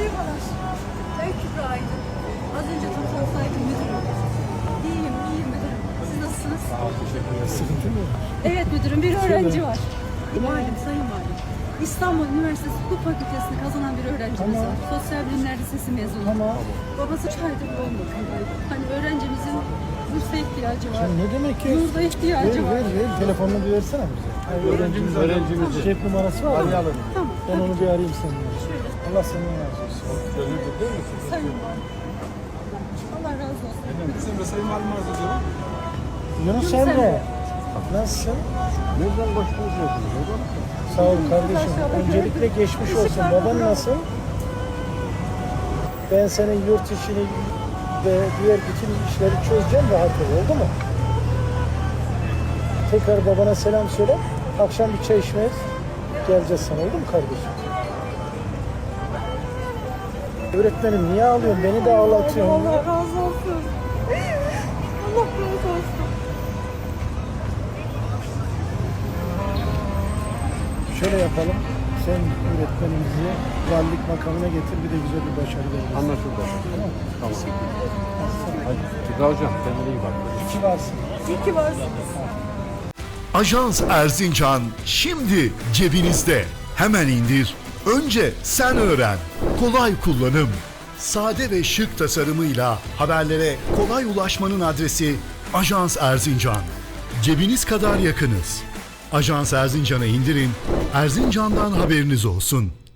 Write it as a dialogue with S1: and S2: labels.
S1: Merhabalar. Ben Kübra Aydın. Az önce toplantısaydım müdürüm. İyiyim müdürüm. Siz nasılsınız?
S2: Sağ ol, teşekkür ederim.
S3: Sıkıntı mı?
S1: Evet müdürüm, bir öğrenci var. Valim, sayın valim. İstanbul Üniversitesi Hukuk Fakültesini kazanan bir öğrencimiz
S3: Tamam.
S1: var. Sosyal Bilimler Lisesi mezunu.
S3: Tamam.
S1: Babası 3 aydır olmuyor. Hani öğrencimizin bursa ihtiyacı var.
S3: Sen ne demek ki?
S1: Yurda ihtiyacı var.
S3: Ver. Telefonunu bir versene bize.
S2: Öğrencimiz.
S3: Cep numarası var mı?
S2: Arayalım.
S1: Tamam.
S3: Ben onu bir arayayım seninle.
S1: Şöyle,
S3: Allah senden razı olsun.
S2: Gönüllü değil mi?
S1: sayın valim. Allah razı olsun.
S2: Bizim de sayım alım arz ediyorum.
S3: Yunus
S1: Yunus
S3: Emre.
S1: Emre.
S3: Nasılsın?
S2: Nereden başlıyorsunuz?
S3: Sağ ol kardeşim. Öncelikle geçmiş olsun. Baban nasıl? Ben senin yurt işini ve diğer bütün işleri çözeceğim, rahat ol. Oldu mu? Tekrar babana selam söyle. Akşam bir çay içmeye geleceğiz sana. Oldu mu kardeşim? Öğretmenim niye ağlıyorsun? Beni de ağlatıyorsun.
S1: Allah razı olsun. Allah razı olsun.
S3: Şöyle yapalım. Sen öğretmenimizi valilik makamına getir, bir de güzel bir başarı verelim.
S2: Anlaşıldı.
S3: Tamam.
S2: Tamam. Hadi. Kübra hocam, kendine iyi bak.
S3: İki varsın.
S1: İyi ki varsınız.
S4: Ajans Erzincan şimdi cebinizde. Hemen indir. Önce sen öğren. Kolay kullanım. Sade ve şık tasarımıyla haberlere kolay ulaşmanın adresi Ajans Erzincan. Cebiniz kadar yakınız. Ajans Erzincan'ı indirin. Erzincan'dan haberiniz olsun.